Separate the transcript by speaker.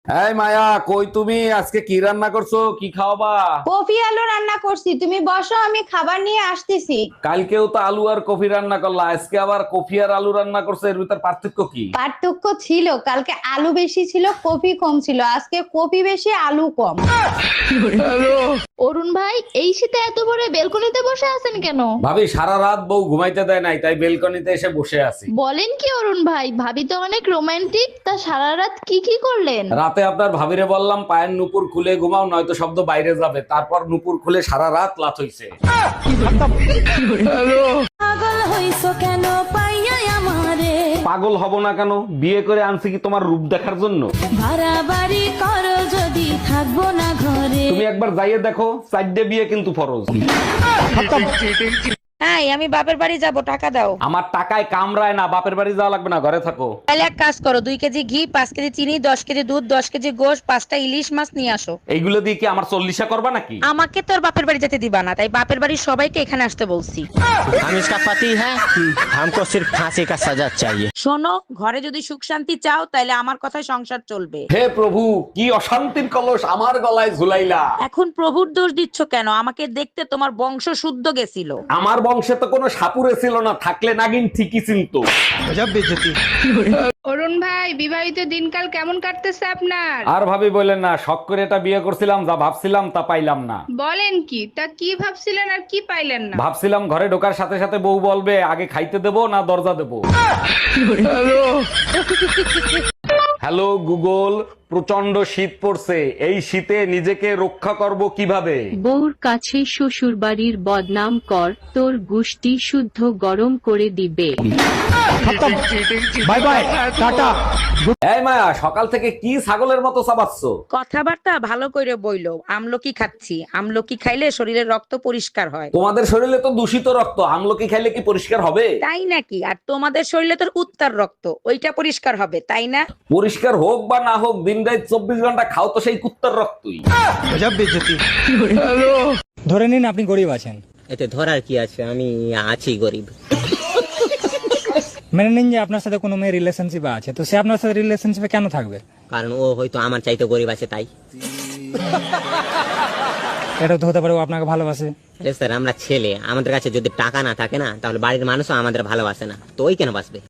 Speaker 1: এই মায়া, কই তুমি? আজকে কি রান্না করছো? কি খাওয়াবা?
Speaker 2: কফি আলু রান্না করছি, তুমি বসো, আমি খাবার নিয়ে আসতেছি।
Speaker 1: কালকেও তো আলু আর কফি রান্না করলা, আজকে আবার কফি আর আলু রান্না করছো, এর ভিতর পার্থক্য কি?
Speaker 2: পার্থক্য ছিল, কালকে আলু বেশি ছিল, কফি কম ছিল, আজকে কফি বেশি আলু কম।
Speaker 3: অরুণ ভাই, এই শীতে এত বড় বেলকনিতে বসে আছেন কেন?
Speaker 1: ভাবি সারা রাত বউ ঘুমাইতে দেয় নাই, তাই বেলকনিতে এসে বসে আছি।
Speaker 3: বলেন কি অরুণ ভাই, ভাবি তো অনেক রোমান্টিক, তা সারা রাত কি কি করলেন?
Speaker 1: রাতে আপনার ভাবিরে বললাম পায়ের নুপুর খুলে ঘুমাও, নয়তো শব্দ বাইরে যাবে। তারপর নুপুর খুলে সারা রাত লাথ হইছে।
Speaker 2: পাগল হইছো কেন পাইয়া আমারে?
Speaker 1: পাগল হব না কেন? বিয়ে করে আনছি কি তোমার রূপ দেখার জন্য?
Speaker 2: বাড়াবাড়ি করো যদি থাকবো না ঘরে।
Speaker 1: তুমি একবার যাইয়ে দেখো, 4টে বিয়ে কিন্তু ফরজ।
Speaker 4: হ্যাঁ, আমি বাপের বাড়ি যাব, টাকা দাও।
Speaker 1: আমার টাকায় কামড়ায় না, বাপের বাড়ি যাওয়া লাগবে না, ঘরে থাকো।
Speaker 4: তাহলে এক কাজ করো, 2 কেজি ঘি, 5 কেজি চিনি, 10 কেজি দুধ, 10 কেজি গোশ, 5টা ইলিশ মাছ নিয়ে আসো।
Speaker 1: এইগুলো দিয়ে কি আমার 40 করবা নাকি?
Speaker 4: আমাকে তোর বাপের বাড়ি যেতে দিবা না, তাই বাপের বাড়ির সবাইকে এখানে আসতে বলছি।
Speaker 5: हम इसका पति है, हमको सिर्फ फांसी का सजा चाहिए।
Speaker 4: শোনো, ঘরে যদি সুখ শান্তি চাও তাহলে আমার কথায় সংসার চলবে।
Speaker 1: হে প্রভু, কি অশান্তির কলস আমার গলায় ঝুলাইলা।
Speaker 4: এখন প্রভুর দোষ দিচ্ছ কেন? আমাকে দেখতে তোমার বংশ শুদ্ধ গেছিল।
Speaker 1: আমার বংশে তো কোনো সাপুরে ছিল না, থাকলে নাগিন ঠিকই চিনতো।
Speaker 6: অরুণ ভাই, বিবাহিত দিনকাল কেমন কাটতেছে আপনার?
Speaker 1: আর ভাবি বললেন না, শখ করে এটা বিয়ে করছিলাম, যা ভাবছিলাম তা পাইলাম না।
Speaker 6: বলেন কি? তা কি ভাবছিলেন আর কি পাইলেন না?
Speaker 1: ভাবছিলাম ঘরে ঢোকার সাথে সাথে বউ বলবে আগে খাইতে দেবো না দরজা দেবো। হ্যালো গুগল, প্রচন্ড শীত পড়ছে, এই শীতে নিজেকে রক্ষা করব কিভাবে?
Speaker 7: বউর কাছে শ্বশুর বাড়ির বদনাম কর, তোর গুষ্টি শুদ্ধ গরম করে দিবে।
Speaker 5: Bye bye tata.
Speaker 1: এই মায়া, সকাল থেকে কি ছাগলের মতো চাবাচ্ছ?
Speaker 4: কথাবার্তা ভালো করে বইলো। আমলকি খাচ্ছি, আমলকি খাইলে শরীরের রক্ত পরিষ্কার হয়।
Speaker 1: তোমাদের শরীরে তো দূষিত রক্ত, আমলকি খাইলে কি পরিষ্কার হবে?
Speaker 4: তাই নাকি? আর তোমাদের শরীরে তোর উত্তর রক্ত, ওইটা পরিষ্কার হবে, তাই না?
Speaker 1: পরিষ্কার হোক বা না হোক, দিন রাত 24 ঘন্টা খাও তো সেই কুত্তার রক্তই।
Speaker 8: ধরে নিন আপনি গরিব আছেন,
Speaker 5: এতে ধরার কি আছে, আমি আছি গরিব।
Speaker 8: মেনে নিন যে আপনার সাথে কোনো মেয়ে রিলেশনশিপে আছে, তো সে আপনার সাথে রিলেশনশিপে কেন থাকবে?
Speaker 5: কারণ ও হয়তো আমার চাইতে গরিব আছে তাই।
Speaker 8: এটা তো হতে পারে ও আপনাকে ভালোবাসে।
Speaker 5: স্যার, আমরা ছেলে, আমাদের কাছে যদি টাকা না থাকে না, তাহলে বাড়ির মানুষও আমাদের ভালোবাসে না, তো ওই কেন বাসবে?